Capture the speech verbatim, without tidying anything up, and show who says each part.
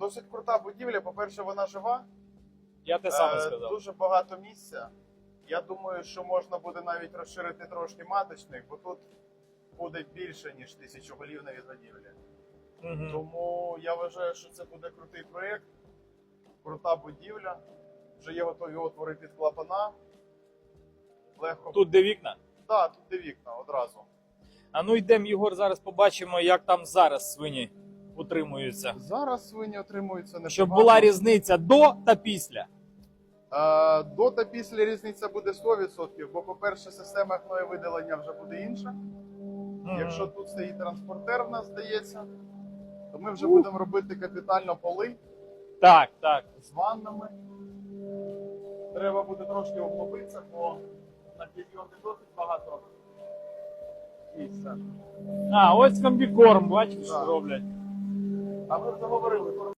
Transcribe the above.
Speaker 1: Досить крута будівля. По-перше, вона жива.
Speaker 2: Я те саме
Speaker 1: Е,
Speaker 2: сказав.
Speaker 1: Дуже багато місця. Я думаю, що можна буде навіть розширити трошки маточник, бо тут буде більше, ніж тисячоголівна відгодівля.
Speaker 2: Угу.
Speaker 1: Тому я вважаю, що це буде крутий проєкт, крута будівля. Вже є готові отвори під клапана. Легко.
Speaker 2: Тут де вікна?
Speaker 1: Так, тут де вікна одразу.
Speaker 2: А ну йдемо, Єгор, зараз побачимо, як там зараз свині утримуються.
Speaker 1: Зараз свині отримуються непогано.
Speaker 2: Щоб була різниця до та після.
Speaker 1: Е, До та після різниця буде сто відсотків, бо, по-перше, система гноєвидалення вже буде інша.
Speaker 2: Мгм.
Speaker 1: Якщо тут стоїть транспортер, в нас здається, то ми вже будемо робити капітально поли
Speaker 2: Так, так.
Speaker 1: з ваннами. Треба буде трошки обновитися, бо на підйомі досить багато місця.
Speaker 2: А, ось комбікорм, бачиш, що
Speaker 1: Так.
Speaker 2: роблять.
Speaker 1: А ми вже говорили.